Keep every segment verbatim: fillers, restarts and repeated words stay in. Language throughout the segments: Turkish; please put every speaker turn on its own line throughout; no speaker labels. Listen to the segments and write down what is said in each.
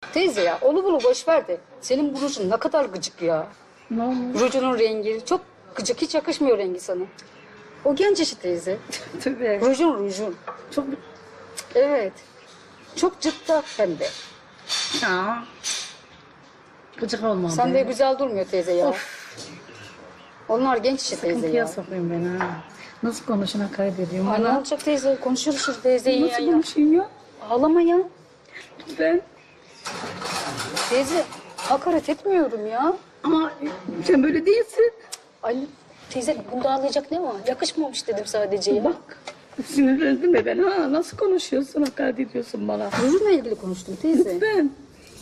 Teyze ya onu bunu boş ver de. Senin bu rujun ne kadar gıcık ya.
Ne olmuş?
Rujunun rengi çok gıcık, hiç yakışmıyor rengi sana. O genç işi teyze.
Tövbe.
Rujun rujun.
Çok...
Evet. Çok cıkta hem de.
Ya. Gıcık olmam.
Sen de güzel durmuyor teyze ya.
Of.
Onlar genç işi teyze
Sıkıntıya
ya.
sokayım ben ha. Nasıl konuşuna kaybediyorum
Ay ne
bana?
olacak teyze? Konuşuruz şu teyzeyi
Nasıl
ya.
konuşayım ya?
Ağlama ya.
Ben...
Teyze hakaret etmiyorum ya.
Ama sen böyle değilsin.
Ay teyze bunda ağlayacak ne var? Yakışmamış dedim sadece ya.
Bak. Sinirlendin mi ben ha? Nasıl konuşuyorsun, hakaret ediyorsun bana?
Rujunla ilgili konuştum teyze.
Ben.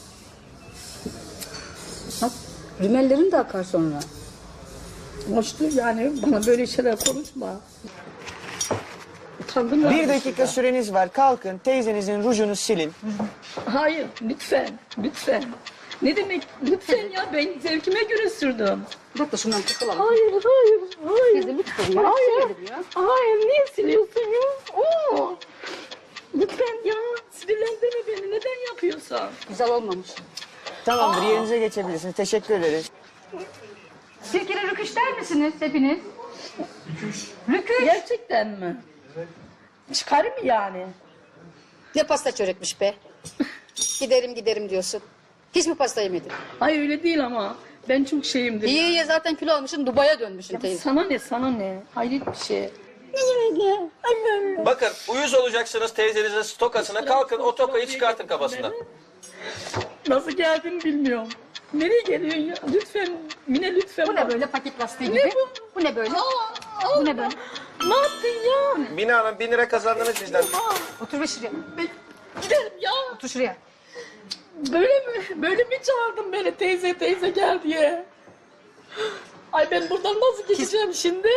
Bak rümellerin de akar sonra.
Hoştur yani bana böyle şeyler konuşma. Utandım ya.
Bir dakika süreniz var. Kalkın teyzenizin rujunu silin.
Hayır lütfen, lütfen. Ne demek lütfen ya, ben zevkime göre sürdüm.
Bir dakika şundan tıkılalım.
Hayır, hayır, hayır.
Teyze lütfen ya.
Hayır,
Şey ya.
hayır, niye siliyorsun ya? Oo. Lütfen ya, sinirlendirme beni, neden yapıyorsun?
Güzel olmamış.
Tamamdır, yerinize geçebilirsiniz. Teşekkür ederiz.
Sirkeli rüküş der misiniz hepiniz? Rüküş.
Gerçekten mi? Çıkarım mı yani?
Ne pasta çörekmiş be. Giderim giderim diyorsun. Hiç mi pasta yemedin?
Hayır öyle değil ama, ben çok şeyimdir.
İyi iyi zaten kilo almışsın, Dubai'ye dönmüşsün teyze.
Sana ne, sana ne? Hayret bir şey.
Bakın uyuz olacaksınız teyzenizin tokasına. Kalkın o tokayı çıkartın kafasından.
Nasıl geldiğini bilmiyorum. Nereye geliyorsun ya? Lütfen, Mine lütfen.
Bu ne
bak.
böyle paket lastiği
Ne
gibi?
bu?
Bu ne böyle?
Aa,
Bu ne böyle?
Ne yaptın ya?
Mine Hanım bin lira kazandınız bizden.
Otur ve şuraya.
Ben giderim ya.
Otur şuraya.
Böyle mi? Böyle mi çağırdın beni teyze teyze gel diye? Ay ben buradan nasıl geçeceğim şimdi?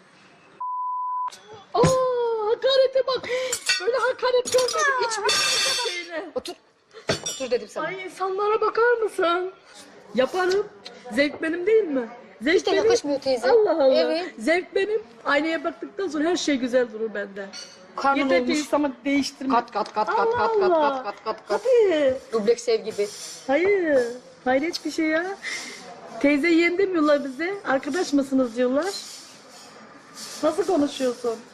Aa, hakarete bak. Böyle hakaret görmedim hiçbir şeyle.
Otur. Otur dedim sana.
Ay insanlara bakar mısın? Yaparım. Zevk benim değil mi? Zevk
Hiç de yakışmıyor teyze.
Allah Allah.
Evet.
Zevk benim. Aynaya baktıktan sonra her şey güzel durur bende.
Karnın
Yeter ki
olmuş.
insanı değiştirme.
Kat kat kat kat
Allah
kat kat
Allah.
kat kat kat kat.
Hadi.
Dubleks ev gibi.
Hayır. Hayret bir şey ya. Teyze yeğen demiyorlar bize. Arkadaş mısınız diyorlar. Nasıl konuşuyorsun?